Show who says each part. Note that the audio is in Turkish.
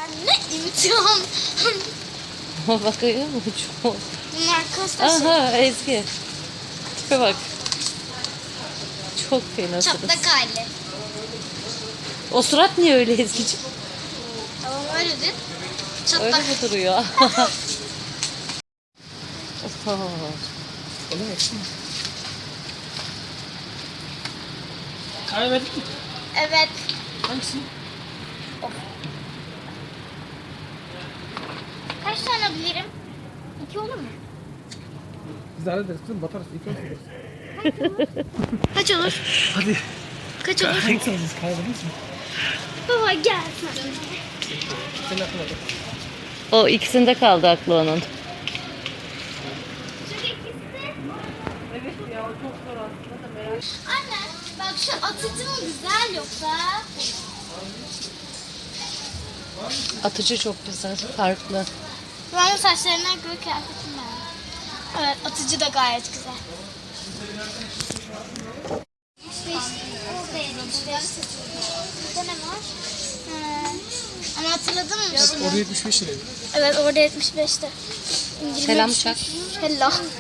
Speaker 1: Ne imtihan.
Speaker 2: Bakıyor mu? Çok.
Speaker 1: Bunlar kastası.
Speaker 2: Aha Ezgi. Tipe bak. Çok fena surat.
Speaker 1: Çatlak hali.
Speaker 2: O surat niye öyle Ezgi'ciğim?
Speaker 1: Tamam öyle değil.
Speaker 2: Öyle
Speaker 1: Çatlak.
Speaker 2: mi duruyor? Oha.
Speaker 3: Öyle mi? Kahve verdik mi?
Speaker 1: Evet.
Speaker 3: Hangisi?
Speaker 1: Kaç tane bilirim? 2 olur mu?
Speaker 3: Biz de hallederiz kızım, batarız. İlk önce.
Speaker 1: Kaç olur?
Speaker 3: Hadi.
Speaker 1: Kaç olur?
Speaker 3: Hangisi alacağız? Kahve verir misin?
Speaker 1: Baba gel sen.
Speaker 3: Senin aklına bak.
Speaker 2: O ikisinde kaldı aklı onun.
Speaker 1: Anne bak şu atıcı mı güzel yoksa?
Speaker 2: Atıcı çok güzel, farklı.
Speaker 1: Ben bu saçlarına göre kıyafetim ben. Evet atıcı da gayet güzel. Orada 75. Burada ne var? Ama hatırladın mı?
Speaker 3: Orada 75 liraydı.
Speaker 1: Evet orada 75'te.
Speaker 2: Selam çak.
Speaker 1: Hello.